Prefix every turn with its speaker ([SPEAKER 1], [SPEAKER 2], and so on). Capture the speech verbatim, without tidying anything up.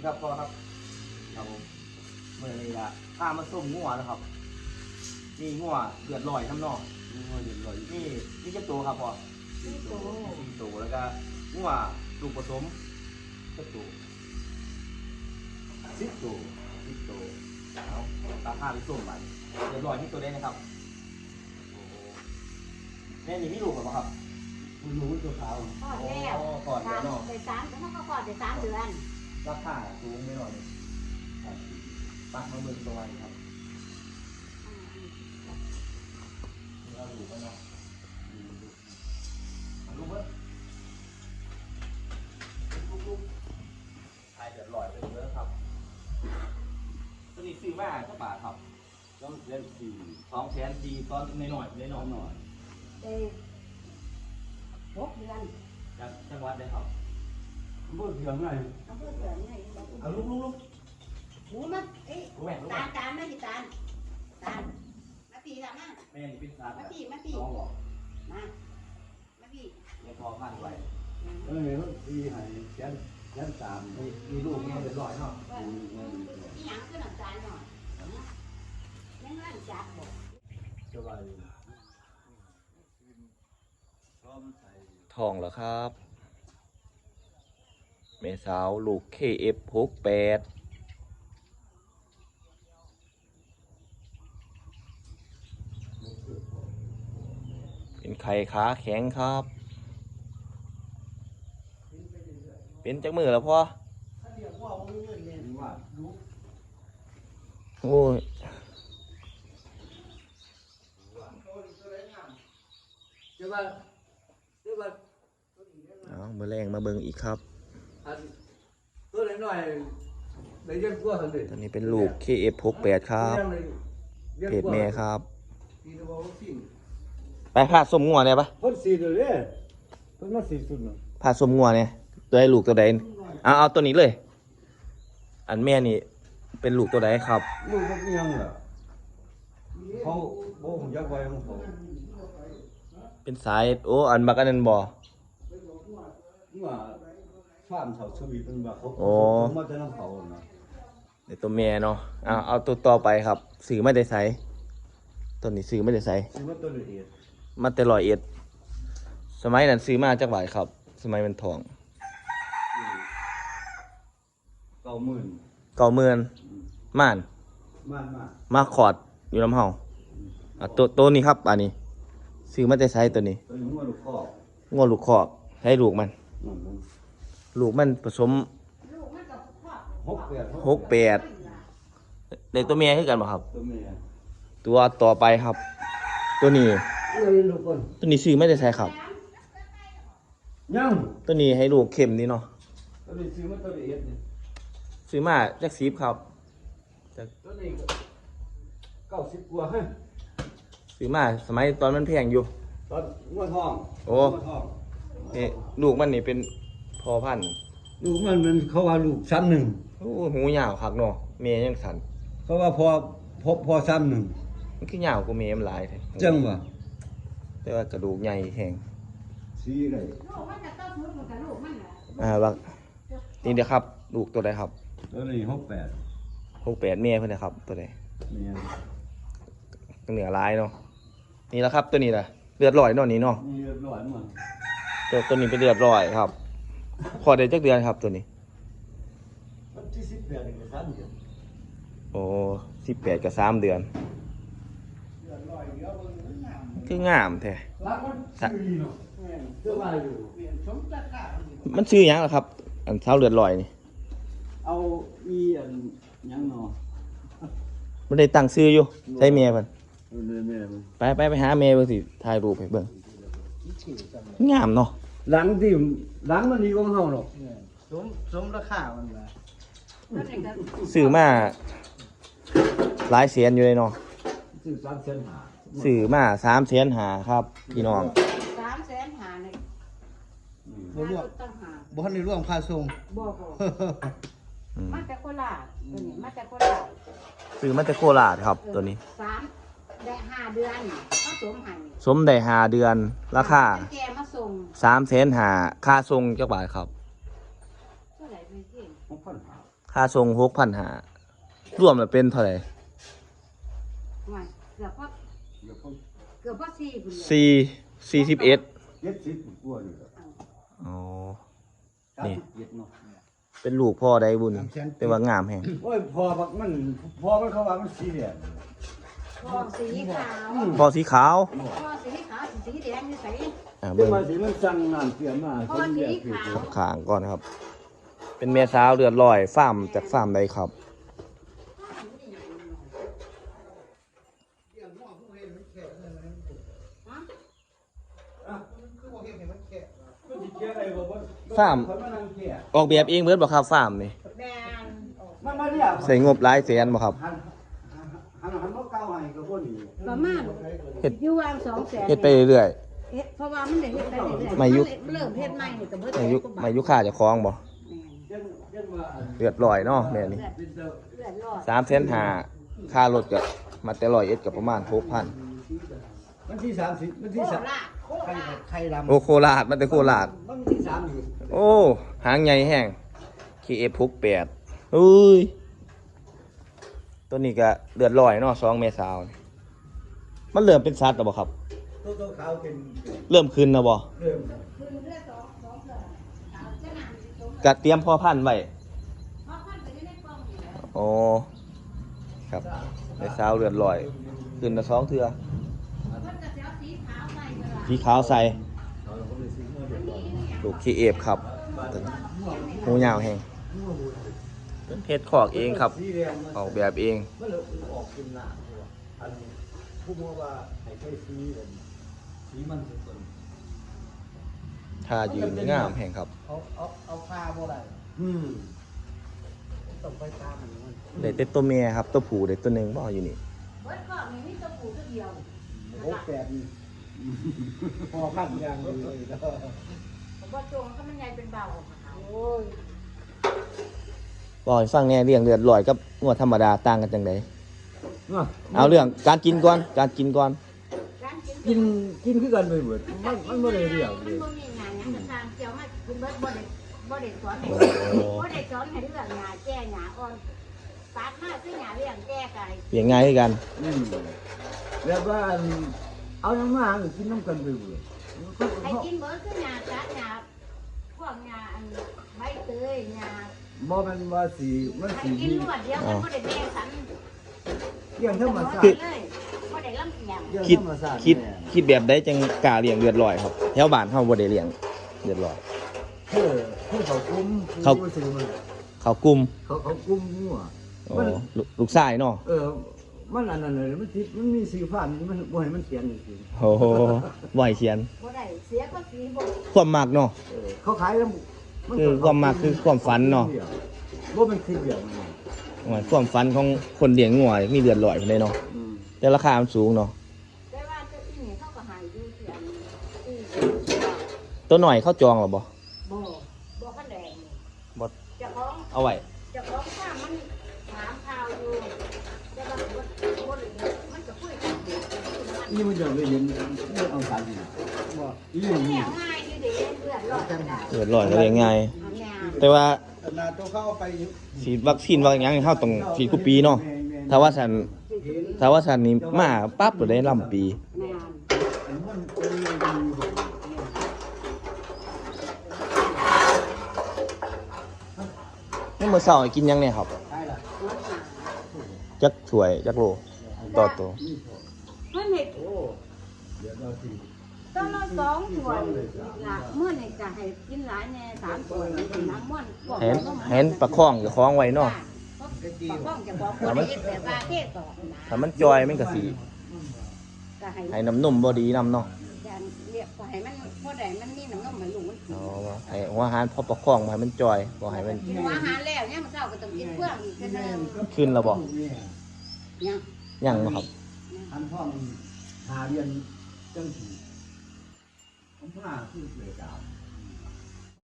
[SPEAKER 1] ครับพ่อครับครับผมเมื่อนี้ละพามาส้มงัวนะครับนี่งัวเดือดลอยน้ำนองงัวเดือดลอยนี่นี่เจ้าตัวครับพ่อสี่ตัวสี่ตัวแล้วก็งัวลูกผสมเจ้าตัวสิบตัวสิบตัวเอาตาข้าไปส้มมันเดือดลอยที่ตัวได้นะครับโอ้แม่นี่มีลูกหรือเปล่าครับคุณรู้ตัวขาว
[SPEAKER 2] ก่อนแล้ว
[SPEAKER 1] ก่อนแล้วเนาะ
[SPEAKER 2] เดี๋ยวสามเขาก็ก่อนเดี๋ยวสามเดือน
[SPEAKER 1] ราคาสูงไม่หน่อยปักมาเมืองตัวนี้ครับเราดูกันเนาะลูกเว้ยลูกๆไอเดือดลอยไปเยอะครับตัวนี้ซื้อมาเท่าบาทครับต้องเล่นสี่สองแสนสี่ตอนในหน่อยในหน่อยหน่อย
[SPEAKER 2] เอ้หกเดือน
[SPEAKER 1] จากจังหวัดได้ครับ
[SPEAKER 3] เมื่อเดือนไง
[SPEAKER 2] เอาเพื่อเดือนไง
[SPEAKER 1] เอาลูกลูกลูก
[SPEAKER 2] หูมาเอ้ตาลตาลไม่กี่ตาลตาลมาปีละมา
[SPEAKER 1] แม่นี่เป็นสาร
[SPEAKER 2] มาปีมาปี
[SPEAKER 1] น้องบอก
[SPEAKER 2] มามาปี
[SPEAKER 1] ยังพอพันไว้
[SPEAKER 3] เออมันปีให้แสนแสนสาม
[SPEAKER 1] มีลูกแม่เดือดร้อยเนาะ
[SPEAKER 2] อีหยังก็หนักใจหน่อยยังร่างจัดบอก
[SPEAKER 3] จะไป
[SPEAKER 4] ทองเหรอครับเมสาวลูก เค เอฟ หกแปดเป็นไข่ขาแข็งครับเป็นจักมือแล้วพ่อโอ้ยเอาเมื่อแรงมาเบิ่งอีกครับ
[SPEAKER 3] ตัวเล็กหน่อยได้เยอะกว่าเลย
[SPEAKER 4] ตอนนี้เป็นลูก เค เอฟ หกแปดครับเพจแม่ครับไปพาสมงัวเนี่ยปะ
[SPEAKER 3] พ่นสีตัวเลยพ่นมาสีสุดเนาะ
[SPEAKER 4] พาสมงัวเนี่ยตัวใดลูกตัวใดเอาเอาตัวนี้เลยอันแม่นี่เป็นลูกตัวใดครับ
[SPEAKER 3] ลูกมันยังเหรอเขาโบ้ผมยักไว้ของเขา
[SPEAKER 4] เป็นสายโอ้อันบักอันนั้นบ่
[SPEAKER 3] ว่าฟาร์มเขาสวีเป็นว่าเขาเขามาจะน้ำเขาเนาะ
[SPEAKER 4] เดี๋ยวตัวแม่เนาะเอาเอาตัวต่อไปครับสื่อไม่ได้ใส่ตัวนี้สื่อไม่ได้ใส่
[SPEAKER 3] ซื้อมาตัวละเอียด
[SPEAKER 4] มาแต่ร้อยเอ็ดสมัยนั้นซื้อมาจากบ่ายครับสมัยมันทอง
[SPEAKER 3] เก้าหมื่น
[SPEAKER 4] เก่าเมือนม่าน
[SPEAKER 3] ม่านมา
[SPEAKER 4] มาขอดอยู่ลำเฮาอ่ะตัวตัวนี้ครับอันนี้ซื้อมาแต่ใส่ตัวนี้
[SPEAKER 3] ตัวนี้งัวลูกคอก
[SPEAKER 4] งัวลูกคอกให้ลูกมันลูกมันผสม
[SPEAKER 3] หกแปด
[SPEAKER 4] หกแปดเด็กตัวเมียคือกันป่ะครับ
[SPEAKER 3] ตัวเมีย
[SPEAKER 4] ตัวต่อไปครับ ตัวนี้ตัวนี้ซื้อไม่ได้ใส่ครับ
[SPEAKER 3] ยัง
[SPEAKER 4] ตัวนี้ให้ลูกเข็มนี่เนาะ
[SPEAKER 3] ตัวนี้ซื้อมาตัวละเอียดเนี่ย
[SPEAKER 4] ซื้อมาจากซีฟครับ
[SPEAKER 3] ตัวนี้เก้าสิบกว่าฮะ
[SPEAKER 4] ซื้อมาสมัยตอนมันแพงอยู่
[SPEAKER 3] ตอนงัวทอง
[SPEAKER 4] โอ้นี่ลูกมันนี่เป็นพอพันธุ์
[SPEAKER 3] ลูกมันมันเขาว่าลูกซ้ำหนึ่ง
[SPEAKER 4] โอ้หูยาวคักเนาะเมียยังสัน
[SPEAKER 3] เขาว่าพอพบพอซ้ำหนึ่ง
[SPEAKER 4] มันคือยาวกว่าเมียมันหลายแท้
[SPEAKER 3] จังวะ
[SPEAKER 4] แต่ว่ากระดูกใหญ่แข็ง
[SPEAKER 3] สีอะไร
[SPEAKER 4] อ่าบักนี่เดี๋ยวครับลูกตัวใดครับ
[SPEAKER 3] ตัวนี้หกแปด
[SPEAKER 4] หกแปดเมียเพื่อนนะครับตัวใด
[SPEAKER 3] เมีย
[SPEAKER 4] เหนือลายเนาะนี่แหละครับตัวนี้แหละเลือดลอยเนาะนี่เนาะ
[SPEAKER 3] เลือดลอยมั้ง
[SPEAKER 4] ตัวตัวนี้เป็นเลือดลอยครับพอได้จักเดือนครับตัวนี้
[SPEAKER 3] วันที่สิบแปดกับสามเดือน
[SPEAKER 4] โอ้สิบแปดกับสามเดือนคืองามแท้มันชื่อยังเหรอครับอันเท้าเลือดลอยนี่
[SPEAKER 3] เอาอีอันยังเนาะ
[SPEAKER 4] มันได้ตั้งชื่ออยู่ใช้เมียเพิ่นไปไปไปหาเมียเบิ่งสิถ่ายรูปให้เบิ่งงามเนาะ
[SPEAKER 3] หลังที่หลังมันดีกว่าเฮาหรอก
[SPEAKER 1] สมสมราคามันว่า
[SPEAKER 4] ซื้อมาหลายแสนอยู่เลยเนาะ
[SPEAKER 3] ซื้อสามแสนห้า
[SPEAKER 4] ซื้อมาสามแสนห้าครับพี่น้อง
[SPEAKER 2] สามแสนห้าเนี่ย
[SPEAKER 1] บ่รวมบ่ทันได้รวมค่าส่ง
[SPEAKER 2] บ่บ่มาแต่โคราชตัวนี้มาแต่โคราช
[SPEAKER 4] ซื้อมาแต่โคราชครับตัวนี้
[SPEAKER 2] สามได้ห้าเดือนผสมให้
[SPEAKER 4] สมได้ห้าเดือนราคา
[SPEAKER 2] แกมาส่ง
[SPEAKER 4] สามแสนห้าค่าส่งจักบาทครับ
[SPEAKER 2] เท่าไหร่พี่
[SPEAKER 3] หกพันหา
[SPEAKER 4] ค่าทรงหกพันห้า รวมแล้วเป็นเท่าไหร่
[SPEAKER 2] ไม่เกือบพอ
[SPEAKER 3] เดี๋ยวเขา
[SPEAKER 2] เกือบพอสี่พุ่นเลย
[SPEAKER 4] สี่สี่สิบเอ็ด
[SPEAKER 3] เจ็ดสิบกว่านี่แหละ
[SPEAKER 4] อ๋อ
[SPEAKER 3] สามสิบเจ็ดเนาะ
[SPEAKER 4] เป็นลูกพ่อได้บุญ แต่ว่างามแฮง
[SPEAKER 3] โอ้ยพอบักมันพอมันเขาว่ามันสีแดง
[SPEAKER 2] พอสีขาว
[SPEAKER 4] พ่อสีขาว
[SPEAKER 2] พอสีขาวสีแดงนี่ใส่
[SPEAKER 4] อ่า
[SPEAKER 3] เดี๋
[SPEAKER 4] เบิ่
[SPEAKER 3] ยว
[SPEAKER 4] ง
[SPEAKER 3] มาสิมันสั่งน้ำเสียมาคนเดียวคือ
[SPEAKER 4] ขางก่อนครับ เป็นแม่สาวเลือดลอยฟาร์มจากฟาร์มใดครับ ฟาร์ม ออกแบบเองเบิดบ่ครับฟาร์มนี่
[SPEAKER 2] แดง
[SPEAKER 3] มันมาเนี่ย
[SPEAKER 4] ใส่งบหลายแสนบ่ครับ
[SPEAKER 3] หันหันหันมาเก้าให้กับคนนี้
[SPEAKER 2] ประมาณ
[SPEAKER 4] เฮ็ด
[SPEAKER 2] อยู่วางสองแสน
[SPEAKER 4] เฮ็ดไปเรื่อย
[SPEAKER 2] เฮ็ดเพราะว่ามันได้เฮ็ดไปเรื่อยๆ
[SPEAKER 4] ไม่ยุค
[SPEAKER 2] เริ่มเฮ็ดใหม่นี่ก็เบิด
[SPEAKER 4] ๆอายุมายุค่าเจะคล้าของบ่
[SPEAKER 3] เจ้าเจ้าว่าอัน
[SPEAKER 4] เลือดลอยเนาะแม่นี่
[SPEAKER 3] เป็นเจ้า
[SPEAKER 2] เลือดรอด
[SPEAKER 4] สามแสนห้าค่ารถก็มาแต่ร้อยเอ็ดก็ประมาณหกพัน
[SPEAKER 3] วันที่สามสิบวันที่
[SPEAKER 2] โค
[SPEAKER 3] สาม
[SPEAKER 2] ราชโค
[SPEAKER 3] ใคร
[SPEAKER 2] ราช
[SPEAKER 3] ใครรำ
[SPEAKER 4] โอ้โคราชมันแต่โคราช
[SPEAKER 3] วันที่สามอยู่
[SPEAKER 4] โอ้ หางใหญ่แห้ง เค เอฟ หกแปดอุ้ย ตัวนี้ก็เลือดลอยเนาะสองเมษายนมันเริ่มเป็นสัตว์แล้วบ่ครับ
[SPEAKER 3] ตัวตัวขาวเป็น
[SPEAKER 4] เริ่มขึ้นแล้วบ่
[SPEAKER 3] เริ่ม
[SPEAKER 2] คือเลือดสองสองเลือดขาวจะหนักสิตรง
[SPEAKER 4] กะเตรียมพ่อพันธุ์ไว้
[SPEAKER 2] เพราะพันไปอยู่ในกล่องนี่แหละ
[SPEAKER 4] อ๋อ ครับในสาวเลือดลอย ขึ้นละสองเทื่อ
[SPEAKER 2] เพิ่นก็สิเอาสีขาวใส่ก็ได้
[SPEAKER 4] สีขาวใส่
[SPEAKER 3] เราก็เลยซื้อมาเรียบร้อย
[SPEAKER 4] ลูก เค เอฟ ครับหูยาวแห้งเป็นเพชรขอกเองครับ
[SPEAKER 3] สีแดงมัน
[SPEAKER 4] ออกแบบเอง
[SPEAKER 3] มันเลยออกเป็นหนาเลยว่ะอันผู้บอกว่าให้ใช้สีเลยสีมันเป็นต้น
[SPEAKER 4] ท่ายืนงามแห้งครับ
[SPEAKER 3] เอาเอาเอาผ้าบ่ได้อืมต้องไปตามมันมัน
[SPEAKER 4] ได้แต่ตัวเมียครับ ตัวผู้ได้ตัวหนึงบ่อยู่นี่
[SPEAKER 2] เบิดกล่องนี่มีตัวผู้ตัวเดียว
[SPEAKER 3] โอ้แปดนี่พอพันยางเลยแล้ว
[SPEAKER 2] ผมว่าจงถ้ามันใหญ่เป็นเบาโอ้ย
[SPEAKER 4] บอกให้ฟังแหน่เรื่องเลือดลอยกับงวดธรรมดาต่างกันจังไดเอาเรื่องการกินก่อน การกินก่อน
[SPEAKER 2] การกิน
[SPEAKER 3] กินกินคือกันไปเบิดมันมันบ่ได้เรื่องเล
[SPEAKER 2] มัน
[SPEAKER 3] ย
[SPEAKER 2] บ่มีงานหยังจะตามเกี่ยวมาคุณเบิดบ่ได้บ่ได้สอนให้
[SPEAKER 4] โอ้
[SPEAKER 2] บ่ได้สอนให้เรื่องหญ้าแก้หญ้าอ่อนตัดมาคือหญ้าเลี้ยงแก้ไก่
[SPEAKER 4] เลี้ยงง่ายคือกัน
[SPEAKER 3] อืมแล้วว่าอันเอายังมากินน้ำกันไปเบิด
[SPEAKER 2] ให้กินเบิดคือหญ้าตัดหญ้าพวกหญ้าอันใบเตยหญ้า
[SPEAKER 3] บ่แม่นว่าสีมัน
[SPEAKER 2] ให้
[SPEAKER 3] สี
[SPEAKER 2] กินรวดเดียวมันบ่ได้แบ่งสัน
[SPEAKER 3] เรื่องธรรมชา
[SPEAKER 2] คือ
[SPEAKER 3] ติ
[SPEAKER 2] เลยบ่ได้ลำเอียง
[SPEAKER 3] เรื่อง
[SPEAKER 4] คิด
[SPEAKER 3] ธรรมชาติ
[SPEAKER 4] คิด
[SPEAKER 3] แน่
[SPEAKER 4] คิดแบบได้จังกล้าเลี้ยงเลือดลอยครับแถวบ้านเฮาบ่ได้เลี้ยงเลือดลอย
[SPEAKER 3] คือคือเขากุม
[SPEAKER 4] เขา
[SPEAKER 3] คือซื้อมัน
[SPEAKER 4] เขากลุ่ม
[SPEAKER 3] เขาเขากุมงัว
[SPEAKER 4] โอ้ลูกลูกชายเนาะ
[SPEAKER 3] เออ มันอันนั้นเลยมันติดมันมีสีฟ้ามันมันบ่ให้มันเขียนจริง
[SPEAKER 4] โอ้โหบ่ให้เขียน
[SPEAKER 2] บ่ได้เสียก็สีบ่
[SPEAKER 4] ความมักเนาะ
[SPEAKER 3] ๆเออเขาขายแล้วมัน
[SPEAKER 4] คือความมักคือความฝันเนาะ
[SPEAKER 3] บ่เป็นคลิปเดียวมัน
[SPEAKER 4] โอ้ยความฝันของคนเลี้ยงงัวมีเลือดลอยพุ่นเลยเนาะ
[SPEAKER 3] อืม
[SPEAKER 4] แต่ราคามันสูงเนาะ
[SPEAKER 2] แต่ว่าเจ้าอีนี่เขาก็ใหายอยู่เสียนอี
[SPEAKER 4] ตัวหน่อยเขาจองหรอบ่
[SPEAKER 2] บ่บ่คันแดงนี่
[SPEAKER 4] บ่
[SPEAKER 2] เจ้าของ
[SPEAKER 4] เอาไว้
[SPEAKER 2] เจ้าของฟาร์มมันถามข่าวอยู่แต่ว่าบ่บ่ได้มันก็คุยกันอยู่มัน
[SPEAKER 3] นี่มันจะไปเห็นมันเอาสันนี่บ่อีนี่
[SPEAKER 2] เลี้ยงง่ายอยู่เด้เลือดรอดก็ได้
[SPEAKER 4] เลือดลอยก็เลี้ยงง่าย
[SPEAKER 2] อันแนว
[SPEAKER 4] แต่ว่า
[SPEAKER 3] ขนาดตัวเข้าไป
[SPEAKER 4] ฉีดวัคซีนว่าหยังเฮาต้องฉีดทุกปีเนาะถ้าว่าฉันถ้าว่าฉันนี่มาปั๊บก็ได้ลำปี
[SPEAKER 2] แม่น
[SPEAKER 3] มันเป็นเรื่องดีของ
[SPEAKER 4] นี่มื้อเช้าให้กินหยังเนี่ยครับ
[SPEAKER 3] ใช่ล่ะ
[SPEAKER 2] หัวหน้า
[SPEAKER 4] จักถ้วยจักโลต่อตัว
[SPEAKER 2] เพิ่นเฮ็ด
[SPEAKER 3] โอ้เดี๋ยวเราสิ
[SPEAKER 2] ต้นละสองถ้วยละมื้อนี้จะให้กินหลายแน่สามถ้วยนี่น้ำม่วนพวก
[SPEAKER 4] เห็น
[SPEAKER 2] น้ำ
[SPEAKER 4] เห็นประคองจะคล้องไว้เนาะ
[SPEAKER 2] ประคองจะบอกคนเฮ็ดแบบว่าเทศต่อนะ
[SPEAKER 4] ถ้ามันจอยมันก็สิ
[SPEAKER 2] ก็ให้
[SPEAKER 4] ให้น้ำนมบ่ดีนำเนาะ
[SPEAKER 2] อย่างเรียกก็ให้มันพอได้มันมีน้ำนมให้ลูกมันกิน
[SPEAKER 4] อ๋อให้หัวอาหารพอประคองบ่ให้มันจอยบ่ให้มัน
[SPEAKER 2] กินอาหารแล้วเนี่ยมันเช้าก็ต้องกินเพื่องอีกคือเดิม
[SPEAKER 4] ขึ้นแล้วบ่
[SPEAKER 2] เนี่ย
[SPEAKER 4] ยังบ่ครับ
[SPEAKER 3] อันพ่อมันหาเรียนจังสีผมว่าคือเลยดาว